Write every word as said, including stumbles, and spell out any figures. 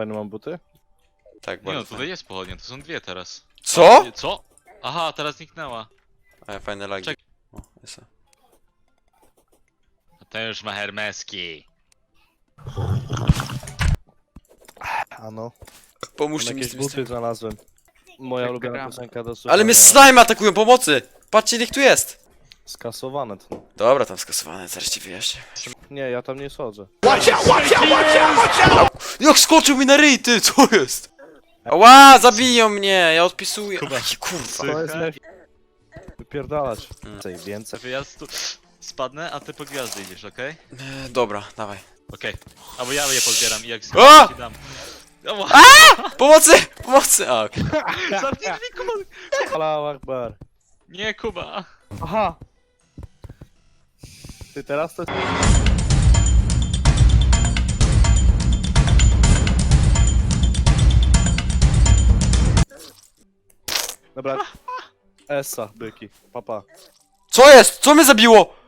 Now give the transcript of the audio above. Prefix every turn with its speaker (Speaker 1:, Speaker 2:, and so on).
Speaker 1: fajne mam buty?
Speaker 2: Tak,
Speaker 3: Nie no,
Speaker 2: bardzo
Speaker 3: tutaj jest pochodnia, to są dwie teraz.
Speaker 2: Co?
Speaker 3: Co? Aha, teraz zniknęła.
Speaker 2: Ale fajne lagi.
Speaker 3: Czek-
Speaker 2: O, jest.
Speaker 3: A ten już ma hermeski.
Speaker 1: A no.
Speaker 2: Pomóżcie
Speaker 1: Tam
Speaker 2: mi z
Speaker 1: jakieś
Speaker 2: tym.
Speaker 1: buty znalazłem. Moja ulubiona
Speaker 3: gram.
Speaker 1: piosenka do słuchania.
Speaker 2: Ale mnie slime atakują, pomocy! Patrzcie, ile ich tu jest!
Speaker 1: Skasowane to.
Speaker 2: Dobra, tam skasowane, zaraz ci wyjaśnię.
Speaker 1: Nie, ja tam nie schodzę.
Speaker 2: Jak skoczył mi na ryj, ty, co jest? Ła, zabiją mnie, ja odpisuję.
Speaker 3: Kuba.
Speaker 2: Aj, kurwa.
Speaker 1: To jest nef... Wypierdalać.
Speaker 2: Mm.
Speaker 1: Więcej, więcej.
Speaker 3: Wyjazd spadnę, a ty po gwiazdy idziesz, okej?
Speaker 2: E, dobra, dawaj.
Speaker 3: Okej. Albo ja je pozbieram i jak
Speaker 2: A!
Speaker 3: ci dam. O,
Speaker 2: Pomocy! Pomocy! A, okej.
Speaker 3: zamknij drzwi, Kuba!
Speaker 1: Allahu Akbar.
Speaker 3: Nie, Kuba!
Speaker 1: Aha! Ty teraz to... Dobra. Essa, byki. Papa.
Speaker 2: Co jest? Co mnie zabiło?